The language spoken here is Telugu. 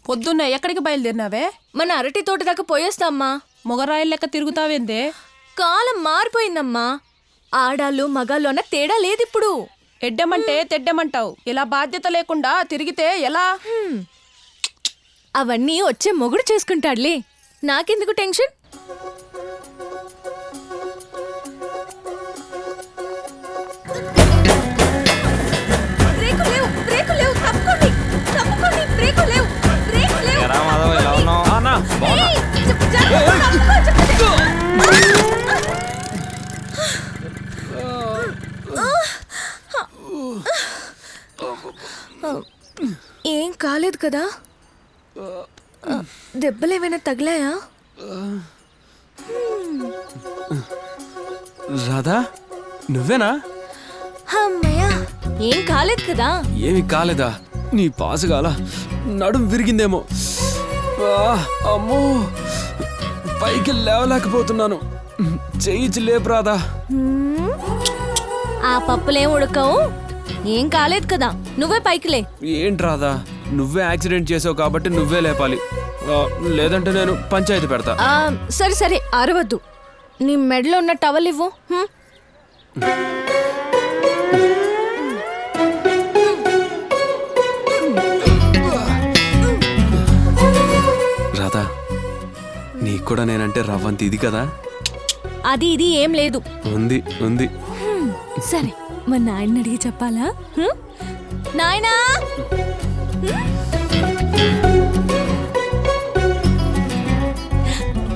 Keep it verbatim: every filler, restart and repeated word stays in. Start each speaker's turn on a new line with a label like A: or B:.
A: పొద్దున్న ఎక్కడికి బయలుదేరినావే?
B: మన అరటి తోట దాకా పోయేస్తామ్మా.
A: మొగరాయిల్ లెక్క తిరుగుతావేందే?
B: కాలం మారిపోయిందమ్మా. ఆడాళ్ళు మగాళ్ళు అన్న తేడా లేదిప్పుడు.
A: ఎడ్డమంటే తెడ్డమంటావు. ఇలా బాధ్యత లేకుండా తిరిగితే ఎలా?
B: అవన్నీ వచ్చే మొగుడు చేసుకుంటాడులే, నాకెందుకు టెన్షన్? ఏం కాలేదు కదా? దెబ్బలేమైనా తగిలాయా?
C: రాధా, నువ్వేనా?
B: అమ్మయ్యా, ఏం కాలేదు కదా?
C: ఏమి కాలేదా? నీ పాసుగాల నడుం విరిగిందేమో. అమ్మో, పైకి లేవలేకపోతున్నాను. చెయ్యి లేపు రాధా.
B: ఆ పప్పులేం ఉడకవు, ఏం కాలేదు కదా, నువ్వే పైకిలే.
C: ఏంటి రాధా, నువ్వే యాక్సిడెంట్ చేసావు కాబట్టి నువ్వే లేపాలి, లేదంటే నేను పంచాయతీ పెడతా.
B: సరే సరే అరవద్దు. నీ మెడలో ఉన్న టవల్ ఇవ్వు.
C: రాధా, నీకు కూడా నేనంటే రవ్వంత ఇది కదా?
B: అది ఇది ఏం లేదు.
C: ఉంది ఉంది.
B: సరే, మా నాయన్ని అడిగి చెప్పాలా? నాయనా.